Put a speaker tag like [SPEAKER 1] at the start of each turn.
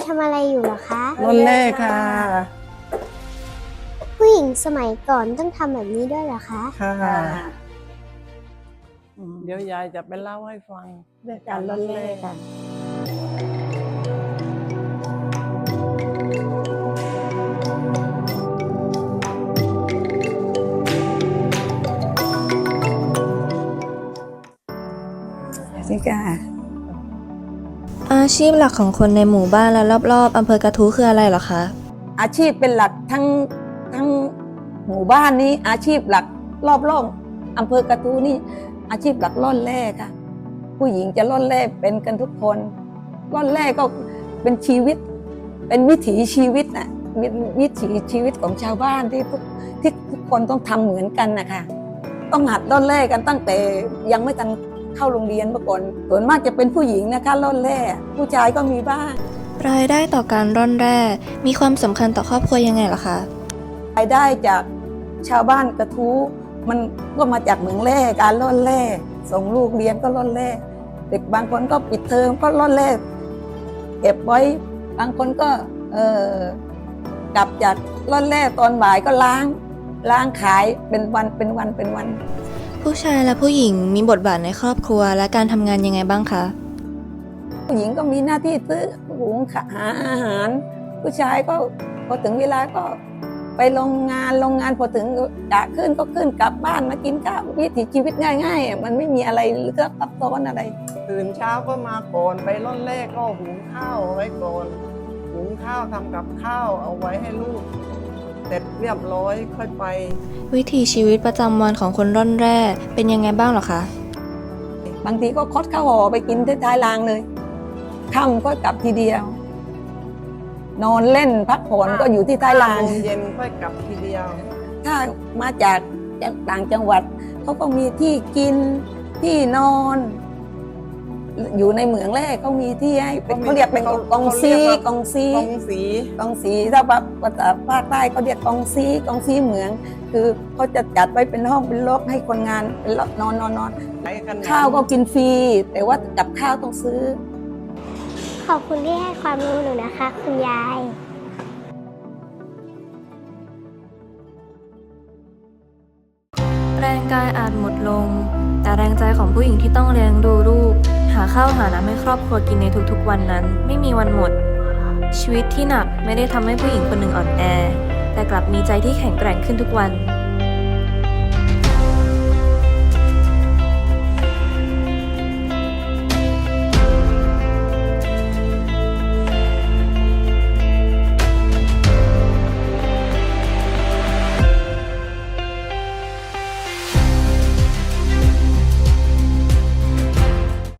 [SPEAKER 1] ทำอะไรอยู่เหรอคะ
[SPEAKER 2] ร่อนแร่ค่ะ
[SPEAKER 1] ผู้หญิงสมัยก่อนต้องทำแบบนี้ด้วยเหรอคะ
[SPEAKER 2] ค่ะ
[SPEAKER 3] ค่ะ
[SPEAKER 2] เดี๋ยวยายจะไปเล่าให้ฟัง
[SPEAKER 3] เรื่องการร่อนแร่ค่ะ นี่ค่ะ
[SPEAKER 4] อาชีพหลักของคนในหมู่บ้านและรอบๆอำเภอกระทู้คืออะไรเหรอคะ
[SPEAKER 3] อาชีพเป็นหลักทั้งหมู่บ้านนี้อาชีพหลักรอบอำเภอกระทู้นี่อาชีพหลักร่อนแร่ค่ะ ผู้หญิงจะร่อนแร่เป็นกันทุกคนร่อนแร่ก็เป็นชีวิต เป็นวิถีชีวิตน่ะวิถีชีวิตของชาวบ้านที่ทุกคนต้องทำเหมือนกันนะคะต้องหัดร่อนแร่กันตั้งแต่ยังไม่ทันเข้าโรงเรียนเมื่อก่อนส่วนมากจะเป็นผู้หญิงนะคะร่อนแร่ผู้ชายก็มีบ้าง
[SPEAKER 4] รายได้ต่อการร่อนแร่มีความสำคัญต่อครอบครัวยังไงเหรอคะ
[SPEAKER 3] รายได้จากชาวบ้านกระทู้มันก็มาจากเหมืองแร่การร่อนแร่ส่งลูกเรียนก็ร่อนแร่เด็กบางคนก็ปิดเทอมก็ร่อนแร่เก็บไว้บางคนก็กลับจากร่อนแร่ตอนบ่ายก็ล้างขายเป็นวัน
[SPEAKER 4] ผู้ชายและผู้หญิงมีบทบาทในครอบครัวและการทำงานยังไงบ้างคะ
[SPEAKER 3] ผู้หญิงก็มีหน้าที่ซื้อหุงหาอาหาร ผู้ชายก็พอถึงเวลาก็ไปโรงงานพอถึงกะขึ้นก็ขึ้นกลับบ้านมากินข้าววิถีชีวิตง่ายๆมันไม่มีอะไรเลือกซับซ้อนอะไร
[SPEAKER 2] ตื่นเช้าก็มาก่อนไปร่อนแร่ก็หุงข้าวเอาไว้ก่อนหุงข้าวทำกับข้าวเอาไว้ให้ลูกเสร็จเรียบร้อยค่อยไป
[SPEAKER 4] วิถีชีวิตประจำวันของคนร่อนแร่เป็นยังไงบ้างเหรอคะ
[SPEAKER 3] บางทีก็คดข้าวห่อไปกินที่ท้ายรางเลยค่ำก็กลับทีเดียว นอนเล่นพักผ่อนก็อยู่ที่ท้ายราง
[SPEAKER 2] โมงเย็นค่อยกลับทีเดียว
[SPEAKER 3] ถ้ามาจากต่างจังหวัดเขาก็มีที่กินที่นอน อยู่ในเหมืองแรกเขามีที่ให้เป็นเขาเรียกเป็นกองซี
[SPEAKER 2] กองสี
[SPEAKER 3] ถ้าภาษาภาคใต้เขาเรียกกองซีเหมือง คือเขาจะจัดไว้เป็นห้องเป็นล็อกให้คนงานเป็นล็อกนอน
[SPEAKER 2] ไปกัน
[SPEAKER 3] ข้าวก็กินฟรีแต่ว่ากับข้าวต้องซื้อ
[SPEAKER 1] ขอบคุณที่ให้ความรู้หนูนะคะ คุณยาย
[SPEAKER 4] แรงกายอาจหมดลง แต่แรงใจของผู้หญิงที่ต้องเลี้ยงดูลูกหาข้าวหาน้ำให้ครอบครัวกินในทุกๆวันนั้นไม่มีวันหมด ชีวิตที่หนักไม่ได้ทำให้ผู้หญิงคนหนึ่งอ่อนแอ แต่กลับมีใจที่แข็งแกร่งขึ้นทุกวัน